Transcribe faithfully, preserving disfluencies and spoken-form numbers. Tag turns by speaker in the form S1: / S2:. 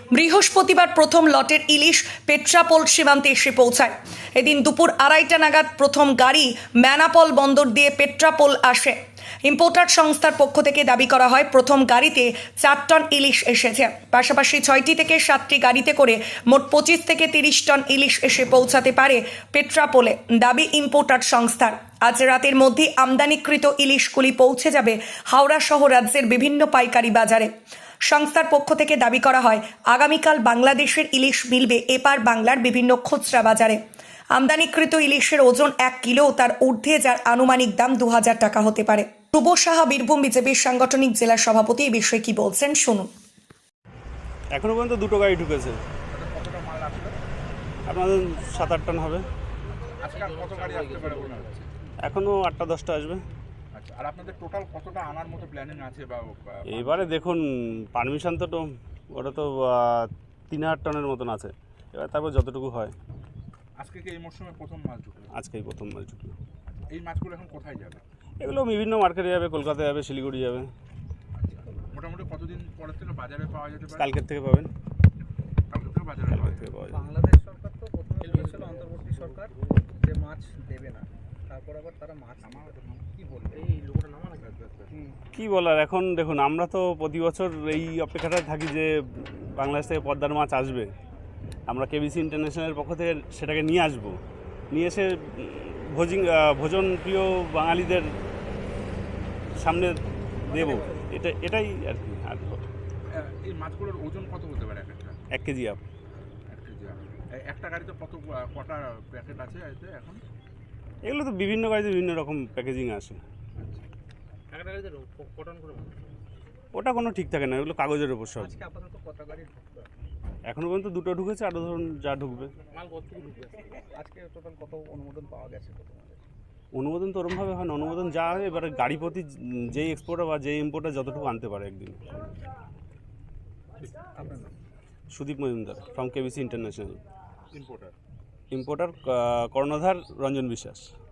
S1: বৃহস্পতিবার প্রথম লটের ইলিশ পেট্রাপোল সীমান্তে এসে পৌঁছায়। এদিন দুপুর আড়াইটা নাগাদ প্রথম গাড়ি ম্যানাপল বন্দর দিয়ে পেট্রাপোল আসে। ইম্পোর্টার সংস্থার পক্ষ থেকে দাবি করা হয় প্রথম গাড়িতে চার টন ইলিশ এসেছে। পাশাপাশি ছয়টি থেকে সাতটি গাড়িতে করে মোট পঁচিশ থেকে তিরিশ টন ইলিশ এসে পৌঁছাতে পারে পেট্রাপোলে, দাবি ইম্পোর্টার সংস্থার। আজ রাতের মধ্যে আমদানিকৃত ইলিশগুলি পৌঁছে যাবে হাওড়া সহ রাজ্যের বিভিন্ন পাইকারি বাজারে। সংস্থার পক্ষ থেকে দাবি করা হয় আগামীকাল বাংলাদেশের ইলিশ মিলবে এপার বাংলার বিভিন্ন খুচরা বাজারে। আমদানিকৃত ইলিশের ওজন এক কিলো তার ঊর্ধ্বে, যার আনুমানিক দাম দু হাজার টাকা হতে পারে। ধ্রুব সাহা বীরভূম বিজেপির সাংগঠনিক জেলা সভাপতি এই বিষয়ে কি বলছেন শুনুন।
S2: এখনো পর্যন্ত দুটো গাড়ি ঢুকেছে। আপনাদের সাত আট টন হবে। এখনো আটটা দশটা আসবে।
S3: আচ্ছা, আর আপনাদের টোটাল কতটা আনার মতো প্ল্যানিং আছে? বা
S2: এবারে দেখুন, পারমিশন তো তো ওটা তো আহ, তিন হাজার টনের মতন আছে। এবার তারপর যতটুকু হয়।
S3: আজকে কি এই মরশুমে প্রথম মাছ ঢুকলো?
S2: আজকেই প্রথম মাছ ঢুকলো।
S3: এই মাছগুলো এখন কোথায় যাবে?
S2: এগুলো বিভিন্ন মার্কেটে যাবে, কলকাতা যাবে, শিলিগুড়ি যাবে।
S3: আচ্ছা, মোটামুটি কতদিন পরের থেকে বাজারে পাওয়া যেতে পারে?
S2: কালকের থেকে পাবেন।
S3: কালকে থেকে বাজারে
S2: কালকের
S3: পাওয়া
S2: থেকে
S3: যাবে।
S2: পাওয়া যাবে।
S4: বাংলাদেশ সরকার তো প্রথমে বলেছিল অন্তর্বর্তী সরকার যে মাছ দেবে না, তারপর আবার তারা মাছ কি বলবে? এই লোকটা নামা না
S2: কী বলার, এখন দেখুন, আমরা তো প্রতি বছর এই অপেক্ষাটায় থাকি যে বাংলাদেশ থেকে পদ্মার মাছ আসবে। আমরা কেবিসি ইন্টারন্যাশনালের পক্ষ থেকে সেটাকে নিয়ে আসব, নিয়ে এসে ভোজিং ভোজন প্রিয় বাঙালিদের সামনে দেব। এটা এটাই আর কি। আর
S3: এই মাছগুলোর ওজন কত হতে পারে এক একটা?
S2: এক কেজি আপ।
S3: এক কেজি আপ। এই একটা গাড়িতে কত কটা প্যাকেট আছে এতে এখন?
S2: এগুলো তো বিভিন্ন গাড়িতে বিভিন্ন রকম প্যাকেজিং আসে।
S4: একটা গাড়িতে কটন করে মাছ।
S2: ওটা কোনো ঠিক থাকে না, এগুলো কাগজের ওপর সব।
S4: আজকে আপাতত কত গাড়ি ঢুকবে?
S2: এখনও পর্যন্ত দুটো ঢুকেছে, আরও ধরুন যা ঢুকবে।
S4: মাল কতটুকু ঢুকবে? আজকে টোটাল কত অনুমোদন পাওয়া গেছে? কত মাল?
S2: অনুমোদন তো ওরমভাবে হয় না, অনুমোদন যা হয় এবারে গাড়ি প্রতি যেই এক্সপোর্টার বা যেই ইম্পোর্টার যতটুকু আনতে পারে একদিন।
S4: আপনার নাম?
S2: Sudip Majumdar from KBC international.
S3: Importer.
S2: Importer কর্ণধার রঞ্জন বিশ্বাস।